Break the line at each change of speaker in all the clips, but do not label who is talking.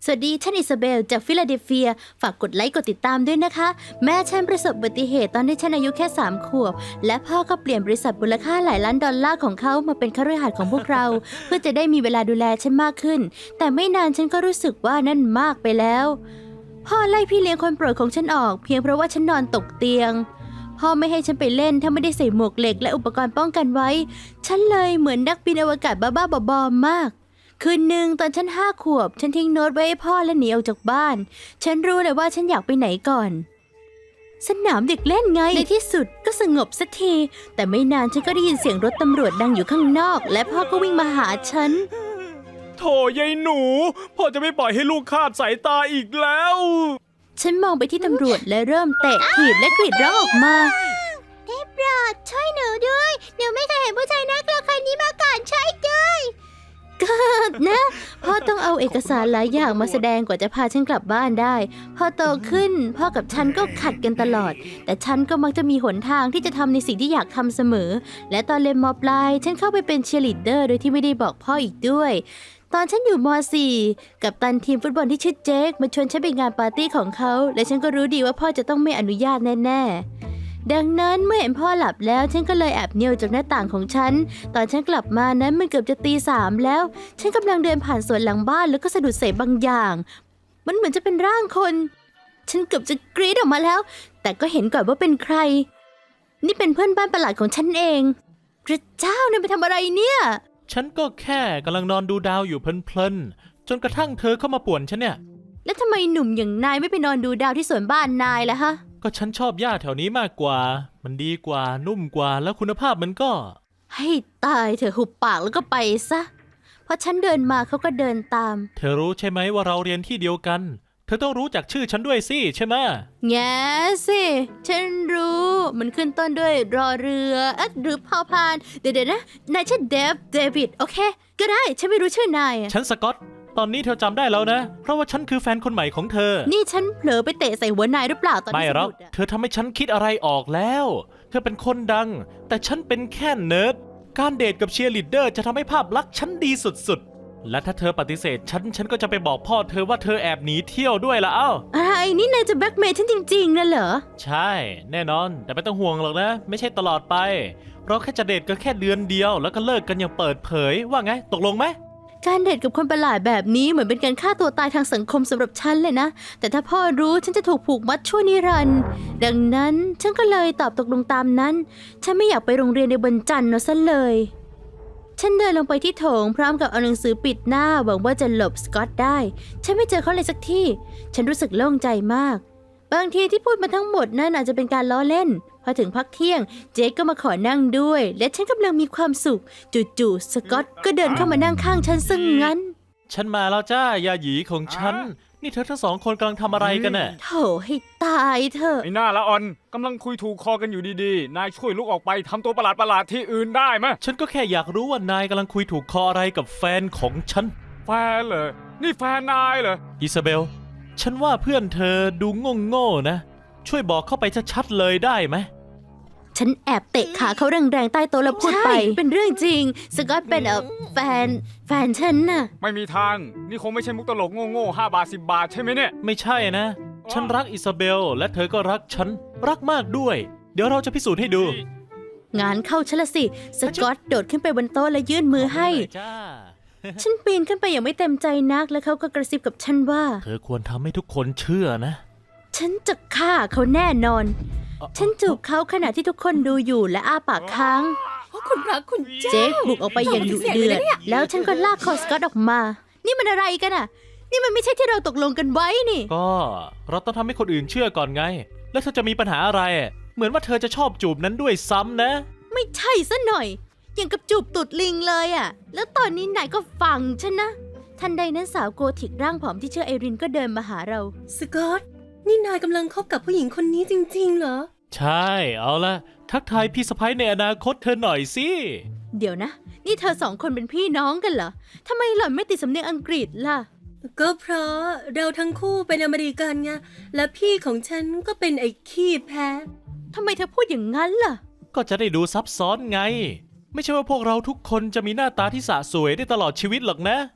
สวัสดีฉันอิซาเบลจากฟิลาเดลเฟียฝากกดไลค์กดติดตามด้วยนะคะแม่ฉันประสบอุบัติเหตุตอนที่ฉันอายุแค่3 ขวบและพ่อก็เปลี่ยนบริษัทมูลค่าหลายล้านดอลลาร์ของเขามาเป็นคฤหาสน์ของพวกเรา เพื่อจะได้มีเวลาดูแลฉันมากขึ้นแต่ไม่นานฉันก็รู้สึกว่านั่นมากไปแล้วพ่อไล่พี่เลี้ยงคนโปรดของฉันออกเพียงเพราะว่าฉันนอนตกเตียงพ่อไม่ให้ฉันไปเล่นถ้าไม่ได้ใส่หมวกเหล็กและอุปกรณ์ป้องกันไว้ฉันเลยเหมือนนักบินอวกาศบ้าๆบอๆมากคืนหนึ่งตอนฉัน5 ขวบฉันทิ้งโน้ตไว้ให้พ่อและหนีออกจากบ้านฉันรู้เลยว่าฉันอยากไปไหนก่อนสนามเด็กเล่นไงในที่สุดก็สงบสักทีแต่ไม่นานฉันก็ได้ยินเสียงรถตำรวจดังอยู่ข้างนอกและพ่อก็วิ่งมาหาฉัน
โถยายหนูพ่อจะไม่ปล่อยให้ลูกคลาดสายตาอีกแล้ว
ฉันมองไปที่ตำรวจและเริ่มเตะถีบและกรีดร้องออกมาได้โปรดช่วยหนูด้วยหนูไม่เคยเห็นผู้ชายน่ากลัวคนนี้มาก่อนช่วยด้วยก็นะพ่อต้องเอาเอกสารหลายอย่างมาแสดงกว่าจะพาฉันกลับบ้านได้พอโตขึ้นพ่อกับฉันก็ขัดกันตลอดแต่ฉันก็มักจะมีหนทางที่จะทำในสิ่งที่อยากทำเสมอและตอนเรียนม.ปลายฉันเข้าไปเป็นเชียร์ลีดเดอร์โดยที่ไม่ได้บอกพ่ออีกด้วยตอนฉันอยู่ม.4 กัปตันทีมฟุตบอลที่ชื่อเจคมาชวนฉันไปงานปาร์ตี้ของเขาและฉันก็รู้ดีว่าพ่อจะต้องไม่อนุญาตแน่ๆดังนั้นเมื่อเห็นพ่อหลับแล้วฉันก็เลยแอบเนียวจากหน้าต่างของฉันตอนฉันกลับมานั้นมันเกือบจะตี 3แล้วฉันกำลังเดินผ่านสวนหลังบ้านแล้วก็สะดุดเศษบางอย่างมันเหมือนจะเป็นร่างคนฉันเกือบจะกรี๊ดออกมาแล้วแต่ก็เห็นก่อนว่าเป็นใครนี่เป็นเพื่อนบ้านประหลาดของฉันเองพระเจ้านายไปทำอะไรเนี่ย
ฉันก็แค่กำลังนอนดูดาวอยู่เพลินๆจนกระทั่งเธอเข้ามาป่วนฉันเนี่ย
แล้วทำไมหนุ่มอย่างนายไม่ไปนอนดูดาวที่สวนบ้านนายล่ะฮะ
ก็ฉันชอบหญ้าแถวนี้มากกว่ามันดีกว่านุ่มกว่าแล้วคุณภาพมันก็
ให้ตายเถอะหุบปากแล้วก็ไปซะพอฉันเดินมาเขาก็เดินตาม
เธอรู้ใช่ไหมว่าเราเรียนที่เดียวกันเธอต้องรู้จักชื่อฉันด้วยสิใช่ไหม
แง่สิฉันรู้มันขึ้นต้นด้วยรอเรือหรือพอพานเดี๋ยวนะนายชื่อเดวิดโอเคก็ได้ฉันไม่รู้ชื่อนาย
ฉันสกอตตอนนี้เธอจำได้แล้วนะเพราะว่าฉันคือแฟนคนใหม่ของเธอ
นี่ฉันเผลอไปเตะใส่หัวนายหรือเปล่าตอน
ไม่หรอกเธอทำให้ฉันคิดอะไรออกแล้วเธอเป็นคนดังแต่ฉันเป็นแค่เนิร์ดการเดทกับเชียร์ลีดเดอร์จะทำให้ภาพลักษณ์ฉันดีสุดๆและถ้าเธอปฏิเสธฉันก็จะไปบอกพ่อเธอว่าเธอแอบหนีเที่ยวด้วยละ
อะไรนี่นายจะแบล็กเมย์ฉันจริงๆนะเหรอ
ใช่แน่นอนแต่ไม่ต้องห่วงหรอกนะไม่ใช่ตลอดไปเราแค่จะเดทกันแค่เดือนเดียวแล้วก็เลิกกันอย่างเปิดเผยว่าไงตกลงไหม
การเดทกับคนประหลาดแบบนี้เหมือนเป็นการฆ่าตัวตายทางสังคมสำหรับฉันเลยนะแต่ถ้าพ่อรู้ฉันจะถูกผูกมัดชั่วนิรันดร์ดังนั้นฉันก็เลยตอบตกลงตามนั้นฉันไม่อยากไปโรงเรียนในวันจันทร์ซะเลยฉันเดินลงไปที่โถงพร้อมกับเอาหนังสือปิดหน้าหวังว่าจะหลบสกอตได้ฉันไม่เจอเขาเลยสักที่ฉันรู้สึกโล่งใจมากบางทีที่พูดมาทั้งหมดนั่นอาจจะเป็นการล้อเล่นพอถึงพักเที่ยงเจคก็มาขอนั่งด้วยและฉันกำลังมีความสุขจู่ๆสกอตก็เดินเข้ามานั่งข้างฉันซะงั้น
ฉันมาแล้วจ้ายาหยีของฉันนี่เธอทั้งสองคนกำลังทำอะไรกันน่ะ
โถให้ตายเถอะ
ไอ้หน้าละอ่อนกำลังคุยถูกคอกันอยู่ดีๆนายช่วยลุกออกไปทำตัวประหลาดที่อื่นได้ไหม
ฉันก็แค่อยากรู้ว่านายกำลังคุยถูกคออะไรกับแฟนของฉัน
แฟนเหรอนี่แฟนนายเหรอ
อิซาเบลฉันว่าเพื่อนเธอดูโง่ๆนะช่วยบอกเข้าไปชัดๆเลยได้ไหม
ฉันแอบเตะขาเขาแรงๆใต้โต๊ะแล้วพูดไปเป็นเรื่องจริงสกอตเป็นแฟนฉันน่ะ
ไม่มีทางนี่คงไม่ใช่มุกตลกโง่5 บาท 10 บาทใช่ไหมเนี่ย
ไม่ใช่นะฉันรักอิซาเบลและเธอก็รักฉันรักมากด้วยเดี๋ยวเราจะพิสูจน์ให้ดู
งานเข้าฉันละสิสกอตโดดขึ้นไปบนโต๊ะและยื่นมือให้ฉันปีนขึ้นไปอย่างไม่เต็มใจนักแล้วเขาก็กระซิบกับฉันว่า
เธอควรทำให้ทุกคนเชื่อนะ
ฉันจะฆ่าเขาแน่นอนฉันจูบเขาขณะที่ทุกคนดูอยู่และอ้าปากค้าง
คุณพระคุณเจ้า
เจคบุกออกไปอย่างดุเดือดแล้วฉันก็ลากคอสกอตออกมานี่มันอะไรกันอ่ะนี่มันไม่ใช่ที่เราตกลงกันไว้นี่
ก็เราต้องทำให้คนอื่นเชื่อก่อนไงแล้วเธอจะมีปัญหาอะไรเหมือนว่าเธอจะชอบจูบนั้นด้วยซ้ำนะ
ไม่ใช่ซะหน่อยอย่างกับจูบตูดลิงเลยอ่ะแล้วตอนนี้นายก็ฟังฉันนะทันใดนั้นสาวโกธิกร่างผอมที่ชื่อไอรินก็เดินมาหาเรา
สกอตนี่นายกำลังคบกับผู้หญิงคนนี้จริงๆเหรอ
ใช่เอาละทักทายพี่สะใภ้ในอนาคตเธอหน่อยสิ
เดี๋ยวนะนี่เธอสองคนเป็นพี่น้องกันเหรอทำไมหล่อนไม่ติดสำเนียงอังกฤษล่ะ
ก็เพราะเราทั้งคู่เป็นอเมริกันไงและพี่ของฉันก็เป็นไอ้ขี้แพ้
ทำไมเธอพูดอย่างนั้นล่ะ
ก็จะได้ดูซับซ้อนไงไม่ใช่ว่าพวกเราทุกคนจะมีหน้าตาที่สะสวยได้ตลอดชีวิตหรอกนะ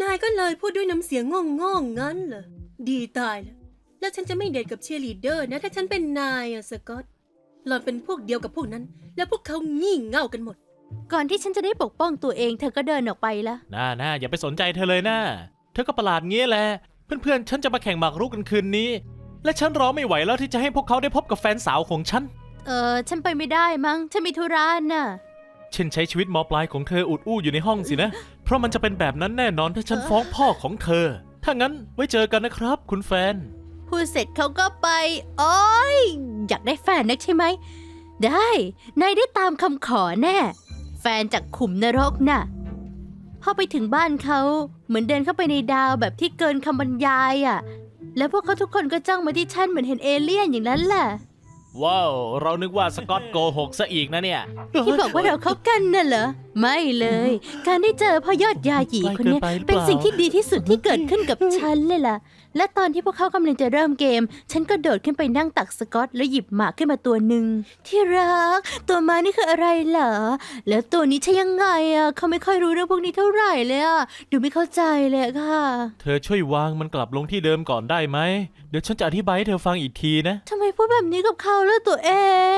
นายก็เลยพูดด้วยน้ำเสียงง่องๆงั้นเหรอ ดีตายแล้ว แล้วฉันจะไม่เดทกับเชียร์ลีดเดอร์นะ ถ้าฉันเป็นนายอะสกอตหล่อนเป็นพวกเดียวกับพวกนั้น แล้วพวกเขางี่เง่ากันหมด
ก่อนที่ฉันจะได้ปกป้องตัวเองเธอก็เดินออกไปละ
น่าอย่าไปสนใจเธอเลยนะเธอก็ประหลาดเงี้ยแหละ เพื่อนๆ ฉันจะมาแข่งหมากรุกกันคืนนี้ และฉันรอไม่ไหวแล้วที่จะให้พวกเขาได้พบกับแฟนสาวของฉัน
ฉันไปไม่ได้มั้ง ฉันมีธุระน่ะ
เช่นใช้ชีวิตมปลายของเธออุดอู้อยู่ในห้องสินะ เพราะมันจะเป็นแบบนั้นแน่นอนถ้าฉันฟ้องพ่อของเธอ ถ้างั้นไว้เจอกันนะครับ คุณแฟน
พูดเสร็จเขาก็ไป โอ๊ย อยากได้แฟนนักใช่ไหม ได้ นายได้ตามคำขอแน่ แฟนจากขุมนรกน่ะ พอไปถึงบ้านเขาเหมือนเดินเข้าไปในดาวแบบที่เกินคำบรรยายอ่ะ แล้วพวกเขาทุกคนก็จ้องมาที่ฉันเหมือนเห็นเอเลี่ยนอย่างนั้นแหละ
ว้าว เรานึกว่าสกอตโกหกซะอีกนะเนี่ย
ที่บอกว่าเราคบกันน่ะเหรอ ไม่เลย การได้เจอพ่อยอดยาหยีคนเนี้ย
ไกลเกินไปหรือเปล่า
เป็นสิ่งที่ดีที่สุดที่เกิดขึ้นกับฉันเลยล่ะ และตอนที่พวกเขากำลังจะเริ่มเกม ฉันก็โดดขึ้นไปนั่งตักสกอตแล้วหยิบหมากขึ้นมาตัวหนึ่งที่รัก ตัวม้านี่คืออะไรเหรอ แล้วตัวนี้ใช่ยังไงอ่ะเขาไม่ค่อยรู้เรื่องพวกนี้เท่าไหร่เลยอ่ะดูไม่เข้าใจเลยอะค่ะ
เธอช่วยวางมันกลับลงที่เดิมก่อนได้ไหม เดี๋ยวฉันจะอธิบายให้เธอฟังอีกทีนะ
ทำไมพูดแบบนี้กับเขาแล้วตัวเอง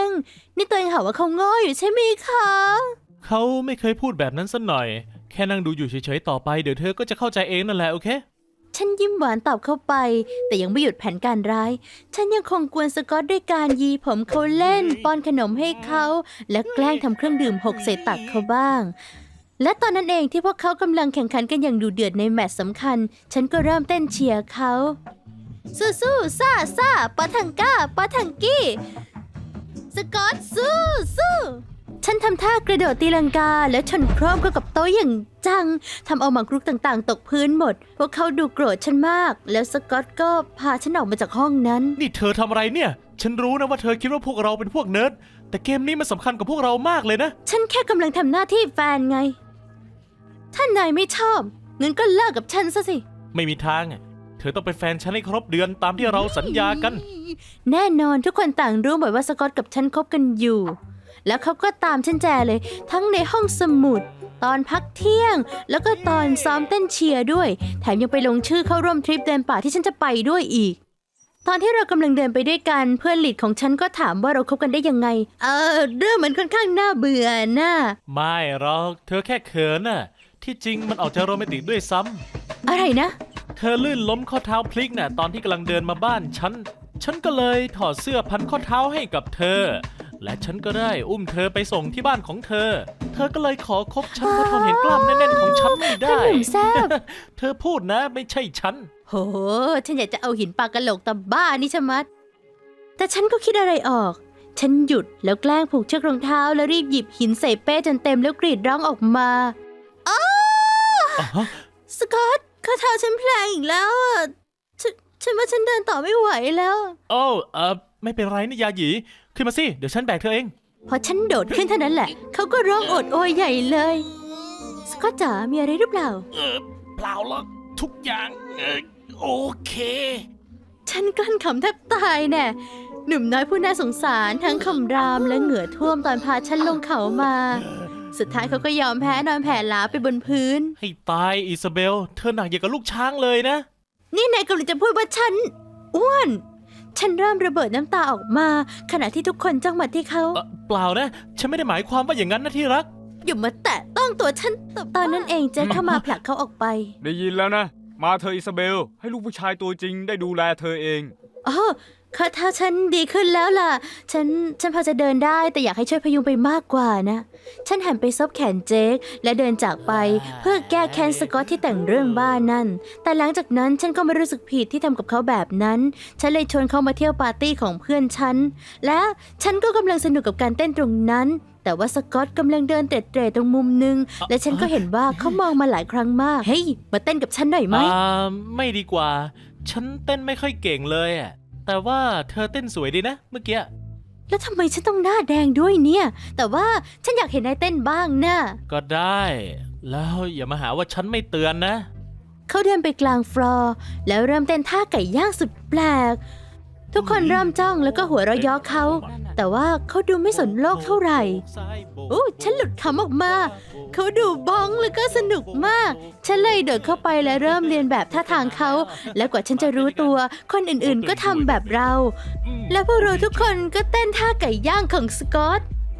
นี่ตัวเองหาว่าเขาโง่อยู่ใช่ไหมคะ
เขาไม่เคยพูดแบบนั้นสักหน่อย แค่นั่งดูอยู่เฉยๆต่อไป เดี๋ยวเธอก็จะเข้าใจเองนั่นแหละโอเค
ฉันยิ้มหวานตอบเข้าไป แต่ยังไม่หยุดแผนการร้าย ฉันยังคงกวนสกอตด้วยการยีผมเขาเล่น ป้อนขนมให้เขา และแกล้งทำเครื่องดื่มหกใส่ตักเขาบ้าง และตอนนั้นเองที่พวกเขากำลังแข่งขันกันอย่างดุเดือดในแมตช์สำคัญ ฉันก็เริ่มเต้นเชียร์เขาสู้สู้ซ่าซ่าปะทังก้าปะทังกี้สกอตสู้สู้ฉันทำท่ากระโดดตีลังกาแล้วชนโครมเข้ากับโต๊ะอย่างจังทำเอาหมากรุกต่างๆ ตกพื้นหมด พวกเขาดูโกรธฉันมาก แล้วสกอตก็พาฉันออกมาจากห้องนั้น
นี่เธอทำอะไรเนี่ย ฉันรู้นะว่าเธอคิดว่าพวกเราเป็นพวกเนิร์ด แต่เกมนี้มันสำคัญกับพวกเรามากเลยนะ
ฉันแค่กำลังทำหน้าที่แฟนไง ถ้านายไม่ชอบงั้นก็เลิกกับฉันซะสิ
ไม่มีทางอะเธอต้องเป็นแฟนฉันให้ครบเดือนตามที่เราสัญญากัน
แน่นอนทุกคนต่างรู้หมดว่าสกอตกับฉันคบกันอยู่ แล้วเขาก็ตามฉันแจเลย ทั้งในห้องสมุด ตอนพักเที่ยง แล้วก็ตอนซ้อมเต้นเชียร์ด้วย แถมยังไปลงชื่อเข้าร่วมทริปเดินป่าที่ฉันจะไปด้วยอีก ตอนที่เรากำลังเดินไปด้วยกันเพื่อนหลีดของฉันก็ถามว่าเราคบกันได้ยังไง เรื่องมันค่อนข้างน่าเบื่อน่ะ
ไม่หรอก เธอแค่เขินน่ะ ที่จริงมันออกจะโรแมนติกด้วยซ้ำ
อะไรนะ
เธอลื่นล้มข้อเท้าพลิกน่ะตอนที่กำลังเดินมาบ้านฉันก็เลยถอดเสื้อพันข้อเท้าให้กับเธอ และฉันก็ได้อุ้มเธอไปส่งที่บ้านของเธอ เธอก็เลยขอคบฉันเพราะทนเห็นกล้ามแน่นๆของฉันไม่ได้
ขนมแซ่บ
เธอพูดนะไม่ใช่ฉัน
โห ฉันอยากจะเอาหินปากกะโหลกตาบ้านี่ชะมัด แต่ฉันก็คิดอะไรออก ฉันหยุดแล้วแกล้งผูกเชือกรองเท้าแล้วรีบหยิบหินใส่เป้จนเต็มแล้วกรีดร้องออกมาอ้าสกอตข้อเท้าฉันแผลงอีกแล้วอ่ะฉันว่าฉันเดินต่อไม่ไหวแล้ว
โอ้ไม่เป็นไรนะยาหยี ขึ้นมาสิ เดี๋ยวฉันแบกเธอเอง
พอฉันโดดขึ้นเท่านั้นแหละ เขาก็ร้องโอดโอยใหญ่เลย สกอตจ๋ามีอะไรหรือเปล่า
เปล่าหรอกทุกอย่างโอเค
ฉันกลั้นขำแทบตายแน่หนุ่มน้อยผู้น่าสงสารทั้งคำรามและเหงื่อท่วมตอนพาฉันลงเขามา สุดท้ายเขาก็ยอมแพ้นอนแผ่ลาไปบนพื้น
ให้ตายอิซาเบล เธอหนักอย่างกับลูกช้างเลยนะ
นี่นายกำลังจะพูดว่าฉันอ้วน ฉันเริ่มระเบิดน้ำตาออกมา ขณะที่ทุกคนจ้องมาที่เขา
เปล่านะ ฉันไม่ได้หมายความว่าอย่างนั้นนะที่รัก
อย่ามาแตะต้องตัวฉันตอนนั้นเองเจ๊เข้ามาผลักเขาออกไป
ได้ยินแล้วนะ มาเธออิซาเบล ให้ลูกผู้ชายตัวจริงได้ดูแลเธอเอง
อ๋อข้อเท้าฉันดีขึ้นแล้วล่ะ ฉันพอจะเดินได้แต่อยากให้ช่วยพยุงไปมากกว่านะ ฉันหันไปซบแขนเจคและเดินจากไปเพื่อแก้แค้นสกอตที่แต่งเรื่องบ้านนั่น แต่หลังจากนั้นฉันก็ไม่รู้สึกผิดที่ทำกับเขาแบบนั้น ฉันเลยชวนเขามาเที่ยวปาร์ตี้ของเพื่อนฉัน และฉันก็กำลังสนุกกับการเต้นตรงนั้น แต่ว่าสกอตกำลังเดินเตร็ดๆตรงมุมนึง และฉันก็เห็นว่าเขามองมาหลายครั้งมาก เฮ้ย มาเต้นกับฉันหน่อยไหม
ไม่ดีกว่า ฉันเต้นไม่ค่อยเก่งเลยอะแต่ว่าเธอเต้นสวยดีนะเมื่อกี้
แล้วทำไมฉันต้องหน้าแดงด้วยเนี่ย แต่ว่าฉันอยากเห็นนายเต้นบ้างนะ
ก็ได้ แล้วอย่ามาหาว่าฉันไม่เตือนนะ
เขาเดินไปกลางฟลอร์แล้วเริ่มเต้นท่าไก่ย่างสุดแปลกทุกคนเริ่มจ้องแล้วก็หัวเราะเยาะเขา แต่ว่าเขาดูไม่สนโลกเท่าไหร่โอ้ฉันหลุดคำออกมา เขาดูบ้องแล้วก็สนุกมาก ฉันเลยเดินเข้าไปและเริ่มเรียนแบบท่าทางเขา และกว่าฉันจะรู้ตัว คนอื่นๆก็ทำแบบเรา และพวกเราทุกคนก็เต้นท่าไก่ย่างของสกอต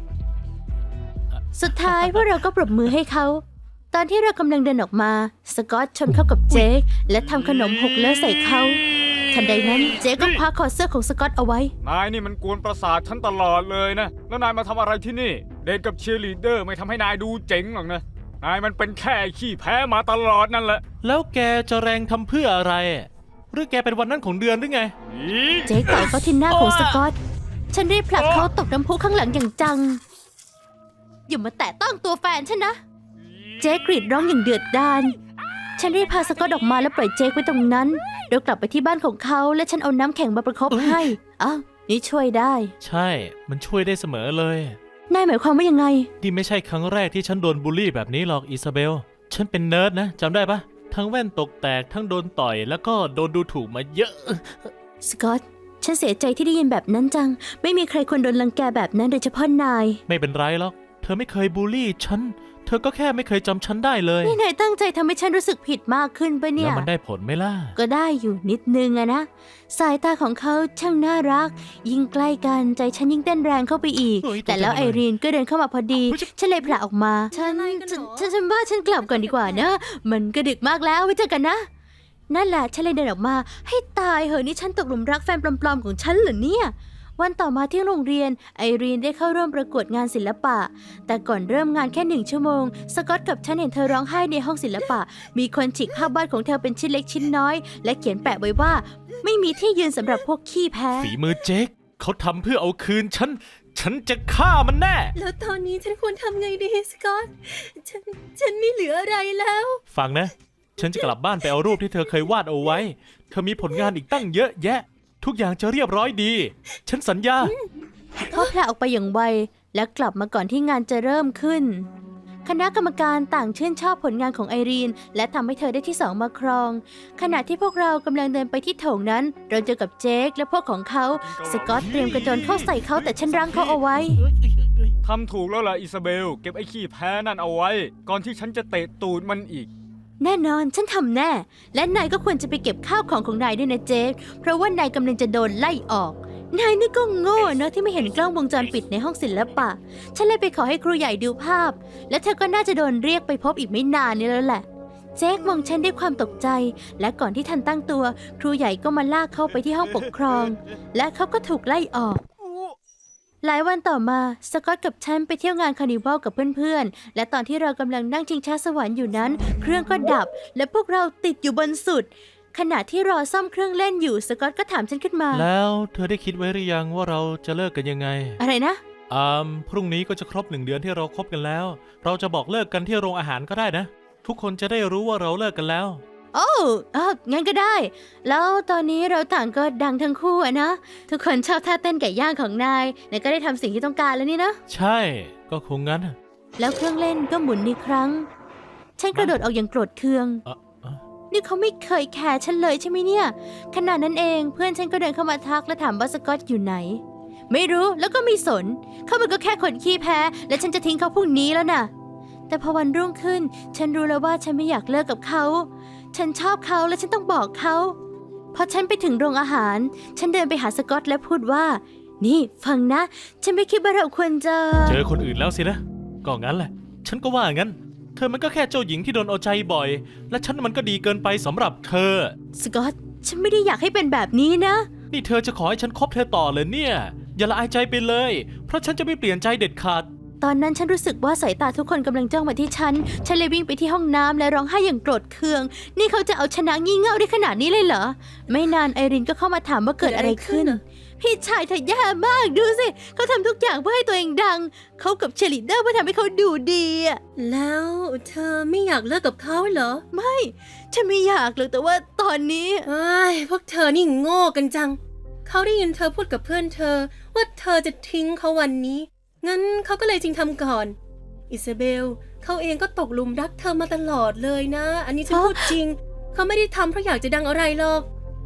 สุดท้ายพวกเราก็ปรบมือให้เขา ตอนที่เรากำลังเดินออกมา สกอตชนเข้ากับเจคและทำขนมหกเลอะใส่เขา ทันใดนั้นเจคก็คว้าคอเสื้อของสกอตเอาไว้
นายนี่มันกวนประสาทฉันตลอดเลยนะ แล้วนายมาทำอะไรที่นี่ เดทกับเชียร์ลีดเดอร์ไม่ทำให้นายดูเจ๋งหรอกนะ นายมันเป็นแค่ขี้แพ้มาตลอดนั่นแหละ
แล้วแกจะแรงทำเพื่ออะไร หรือแกเป็นวันนั้นของเดือนหรือไง
เจคต่อยเขาที่หน้าของสกอต ฉันรีบผลักเขาตกน้ำพุข้างหลังอย่างจัง อย่ามาแตะต้องตัวแฟนฉันนะ เจคกรีดร้องอย่างเดือดดาล ฉันรีบพาสกอตออกมาแล้วปล่อยเจคไว้ตรงนั้นโดยกลับไปที่บ้านของเขาและฉันเอาน้ำแข็งมาประคบให้อ้าวนี่ช่วยได้
ใช่ มันช่วยได้เสมอเลย
นายหมายความว่ายังไง
นี่ไม่ใช่ครั้งแรกที่ฉันโดนบูลลี่แบบนี้หรอกอิซาเบล ฉันเป็นเนิร์ดนะจำได้ปะทั้งแว่นตกแตกทั้งโดนต่อยแล้วก็โดนดูถูกมาเยอะ
สกอต ฉันเสียใจที่ได้ยินแบบนั้นจัง ไม่มีใครควรโดนรังแกแบบนั้นโดยเฉพาะนาย
ไม่เป็นไรหรอก เธอไม่เคยบูลลี่ฉัน เธอก็แค่ไม่เคยจำฉันได้เลย
นี่นายตั้งใจทำให้ฉันรู้สึกผิดมากขึ้นปะเนี่
แล้
ย
วมันได้ผลไหมล่ะ
ก็ได้อยู่นิดนึงอะนะ สายตาของเขาช่างน่ารัก ยิ่งใกล้กันใจฉันยิ่งเต้นแรงเข้าไปอีก
เฮ้ย
แต่แล้ว
ตกใจหมดเลย
ไอรีนก็เดินเข้ามาพอดี
เฮ้ย
ฉันเลยผละออกมา ฉันว่าฉันกลับก่อนดีกว่านะ มันก็ดึกมากแล้วไว้เจอกันนะ นั่นแหละฉันเลยเดินออกมา ให้ตายเหอะนี่ฉันตกหลุมรักแฟนปลอมๆของฉันเหรอเนี่ย วันต่อมาที่โรงเรียนไอรีนได้เข้าร่วมประกวดงานศิลปะ แต่ก่อนเริ่มงานแค่1 ชั่วโมงสกอตกับฉันเห็นเธอร้องไห้ในห้องศิลปะ มีคนฉีกภาพวาดของเธอเป็นชิ้นเล็กชิ้นน้อย และเขียนแปะไว้ว่า ไม่มีที่ยืนสำหรับพวกขี้แพ้
ฝีมือเจคเขาทำเพื่อเอาคืนฉันจะฆ่ามันแน่
แล้วตอนนี้ฉันควรทำไงดีสกอต ฉันไม่เหลืออะไรแล้ว
ฟังนะ ฉันจะกลับบ้านไปเอารูปที่เธอเคยวาดเอาไว้ เธอมีผลงานอีกตั้งเยอะแยะ ทุกอย่างจะเรียบร้อยดี ฉันสัญญา
เขาแผลออกไปอย่างไวและกลับมาก่อนที่งานจะเริ่มขึ้น คณะกรรมการต่างชื่นชอบผลงานของไอรีนและทำให้เธอได้ที่2มาครอง ขณะที่พวกเรากำลังเดินไปที่โถงนั้น เราเจอกับเจคและพวกของเขาสกอตเตรียมกระโจนเข้าใส่เขาแต่ฉันรั้งเขาเอาไว้
ทำถูกแล้วล่ะอิซาเบล เก็บไอ้ขี้แพ้นั่นเอาไว้ ก่อนที่ฉันจะเตะตูดมันอีก
แน่นอนฉันทำแน่ และนายก็ควรจะไปเก็บข้าวของนายด้วยนะเจคเพราะว่านายกำลังจะโดนไล่ออก นายนี่ก็โง่เนอะที่ไม่เห็นกล้องวงจรปิดในห้องศิลปะ ฉันเลยไปขอให้ครูใหญ่ดูภาพ และเธอก็น่าจะโดนเรียกไปพบอีกไม่นานนี้แล้วแหละ เจคมองฉันด้วยความตกใจ และก่อนที่ทันตั้งตัว ครูใหญ่ก็มาลากเขาไปที่ห้องปกครอง และเขาก็ถูกไล่ออก หลายวันต่อมาสกอตกับฉันไปเที่ยวงานคาร์นิวัลกับเพื่อนๆ และตอนที่เรากำลังนั่งชิงช้าสวรรค์อยู่นั้น เครื่องก็ดับ และพวกเราติดอยู่บนสุด ขณะที่รอซ่อมเครื่องเล่นอยู่สกอตก็ถามฉันขึ้นมา
แล้วเธอได้คิดไว้หรือยังว่าเราจะเลิกกันยังไง
อะไรนะ
พรุ่งนี้ก็จะครบ1 เดือนที่เราคบกันแล้ว เราจะบอกเลิกกันที่โรงอาหารก็ได้นะ ทุกคนจะได้รู้ว่าเราเลิกกันแล้ว
โอ้งั้นก็ได้ แล้วตอนนี้เราต่างก็ดังทั้งคู่อะนะ ทุกคนชอบท่าเต้นไก่ย่างของนายก็ได้ทำสิ่งที่ต้องการแล้วนี่นะ
ใช่ ก็คงงั้น
แล้วเครื่องเล่นก็หมุนอีกครั้ง ฉันกระโดดออกอย่างโกรธเคือง
เอ่อเอ่อ
นี่เขาไม่เคยแคร์ฉันเลยใช่ไหมเนี่ย ขณะนั้นเองเพื่อนฉันก็เดินเข้ามาทักและถามว่าสกอตอยู่ไหน ไม่รู้แล้วก็ไม่สน เขามันก็แค่คนขี้แพ้ และฉันจะทิ้งเขาพรุ่งนี้แล้วน่ะ แต่พอวันรุ่งขึ้น ฉันรู้แล้วว่าฉันไม่อยากเลิกกับเขา ฉันชอบเขาและฉันต้องบอกเขาพอฉันไปถึงโรงอาหาร ฉันเดินไปหาสกอตและพูดว่า นี่ฟังนะ ฉันไม่คิดว่าเราควรจะ
เจอคนอื่นแล้วสินะ ก็งั้นแหละ ฉันก็ว่างั้น เธอมันก็แค่เจ้าหญิงที่โดนเอาใจบ่อย และฉันมันก็ดีเกินไปสำหรับเธอ
สกอต ฉันไม่ได้อยากให้เป็นแบบนี้นะ
นี่เธอจะขอให้ฉันคบเธอต่อเลยเนี่ย อย่าละอายใจไปเลย เพราะฉันจะไม่เปลี่ยนใจเด็ดขาด
ตอนนั้นฉันรู้สึกว่าสายตาทุกคนกำลังจ้องมาที่ฉัน ฉันเลยวิ่งไปที่ห้องน้ำและร้องไห้อย่างโกรธเคือง นี่เขาจะเอาชนะงี่เง่าได้ขนาดนี้เลยเหรอ ไม่นานไอรินก็เข้ามาถามว่าเกิดอะไรขึ้น พี่ชายเธอแย่มากดูสิ เขาทำทุกอย่างเพื่อให้ตัวเองดัง เขากับเชยร์ลีดเดอร์เพื่อทำให้เขาดูดีอะ
แล้วเธอไม่อยากเลิกกับเขาเหรอ
ไม่ ฉันไม่อยากเลยแต่ว่าตอนนี้
เอ้ยพวกเธอนี่โง่กันจัง เขาได้ยินเธอพูดกับเพื่อนเธอ ว่าเธอจะทิ้งเขาวันนี้ งั้นเขาก็เลยจริงทำก่อน อิซาเบล เขาเองก็ตกหลุมรักเธอมาตลอดเลยนะ อันนี้ฉันพูดจริง เขาไม่ได้ทำเพราะอยากจะดังอะไรหรอก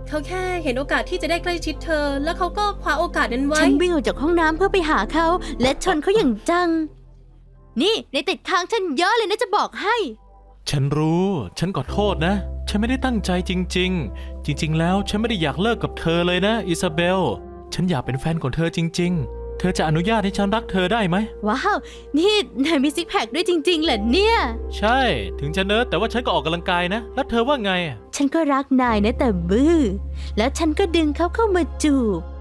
เขาแค่เห็นโอกาสที่จะได้ใกล้ชิดเธอ แล้วเขาก็คว้าโอกาสนั้นไว้
ฉันวิ่งออกจากห้องน้ำเพื่อไปหาเขา และชนเขาอย่างจัง นี่ในติดค้างฉันเยอะเลยนะจะบอกให้
ฉันรู้ ฉันขอโทษนะ ฉันไม่ได้ตั้งใจจริงๆ จริงๆ แล้วฉันไม่ได้อยากเลิกกับเธอเลยนะอิซาเบล ฉันอยากเป็นแฟนของเธอจริงๆ เธอจะอนุญาตให้ฉันรักเธอได้ไหม
ว้าว นี่นายมีซิกแพคด้วยจริงๆเหรอเนี่ย
ใช่ ถึงจะเนิร์ดแต่ว่าฉันก็ออกกำลังกายนะ แล้วเธอว่าไง
ฉันก็รักนายนะแต่บื้อ แล้วฉันก็ดึงเขาเข้ามาจูบ